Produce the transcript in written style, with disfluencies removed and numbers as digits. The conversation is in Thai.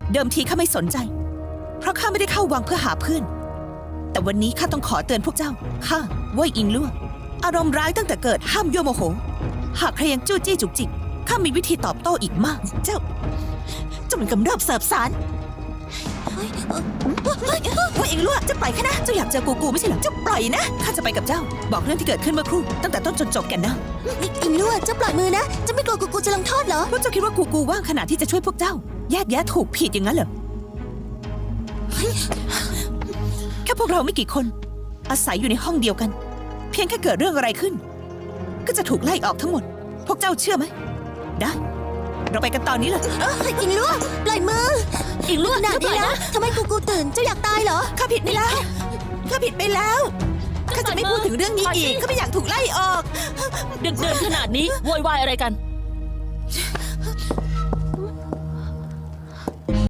เดิมทีข้าไม่สนใจเพราะข้าไม่ได้เข้าวังเพื่อหาเพื่อนแต่วันนี้ข้าต้องขอเตือนพวกเจ้าข้าเว่ยอิงลั่วอารมณ์ร้ายตั้งแต่เกิดห้ามยั่วโมโหหากใครยังจู้จี้จุกจิกข้ามีวิธีตอบโต้อีกมากเจ้ามันกำเริบเสบสารว่าเองลั่วจะปล่อยข้านะเจ้าอยากเจอกูไม่ใช่เหรอเจ้าปล่อยนะข้าจะไปกับเจ้าบอกเรื่องที่เกิดขึ้นเมื่อครู่ตั้งแต่ต้นจนจบกันนะอิงลั่วเจ้าปล่อยมือนะเจ้าไม่กลัวกูจะลงโทษเหรอพวกเจ้าคิดว่ากูว่างขนาดที่จะช่วยพวกเจ้าแยกแยะถูกผิดอย่างนั้นเหรอแค่พวกเราไม่กี่คนอาศัยอยู่ในห้องเดียวกันเพียงแค่เกิดเรื่องอะไรขึ้นก็จะถูกไล่ออกทั้งหมดพวกเจ้าเชื่อไหมได้เราไปกันตอนนี้เลยอิงลั่วปล่อยมืออิงลั่วขนาดนี้นะทำไมกูตื่นเจ้าอยากตายเหรอข้าผิดไปแล้วข้าผิดไปแล้วข้าจะไม่พูดถึงเรื่องนี้อีกข้าไม่อยากถูกไล่ออกดึกเดินขนาดนี้โวยวายอะไรกัน